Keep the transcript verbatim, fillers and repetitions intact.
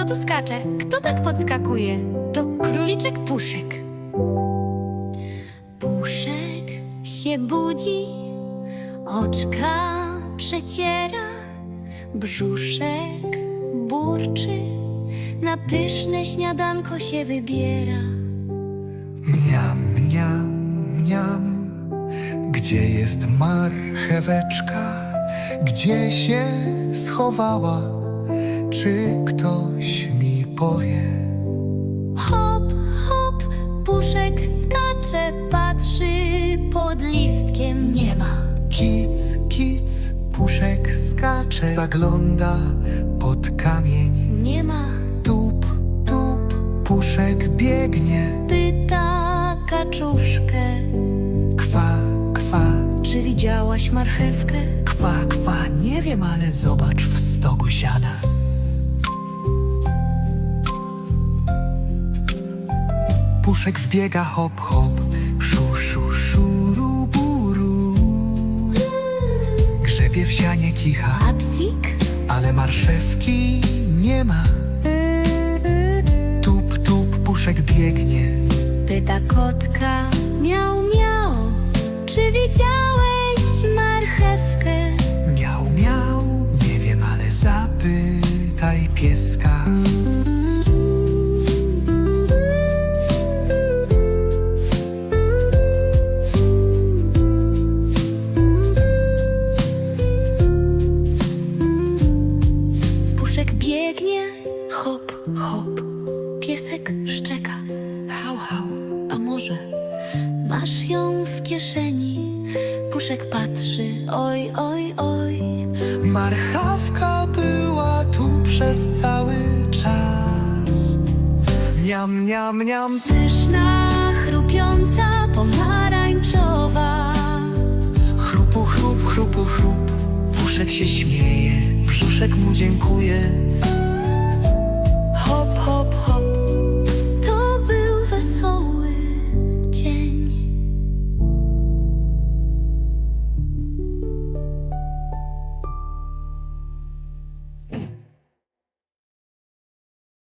tu skacze? Kto tak podskakuje? To króliczek Puszek. Puszek się budzi, oczka przeciera, brzuszek burczy, na pyszne śniadanko się wybiera. Mniam, mniam, mniam. Gdzie jest marcheweczka? Gdzie się schowała? Czy ktoś mi powie? Hop, hop, Puszek skacze, patrzy pod listkiem, nie ma. Kic, kic, Puszek skacze, zagląda pod kamień. Nie ma. Tup, tup, Puszek biegnie. Pyta kaczuszkę, Kwa, kwa, czy widziałaś marchewkę? kwa, kwa, nie wiem, ale zobacz, w stogu siada. Puszek wbiega, hop, hop, szu, szu, szuru, buru. Grzebie w sianie kicha, A psik? ale marszewki nie ma. Tup, tup, Puszek biegnie. Pyta kotka, miał, miał, czy widziałeś marchewkę? Miał, miał, nie wiem, ale zapytaj pieska. Puszek biegnie, hop, hop, piesek szczeka, hał, hał, a może masz ją w kieszeni? Puszek patrzy, oj, oj, oj. Marchawka była tu przez cały czas. Niam, niam, niam. Pyszna, chrupiąca, pomarańczowa. Chrupu, chrup, chrupu, chrup. Puszek się śmieje, brzuszek mu dziękuje,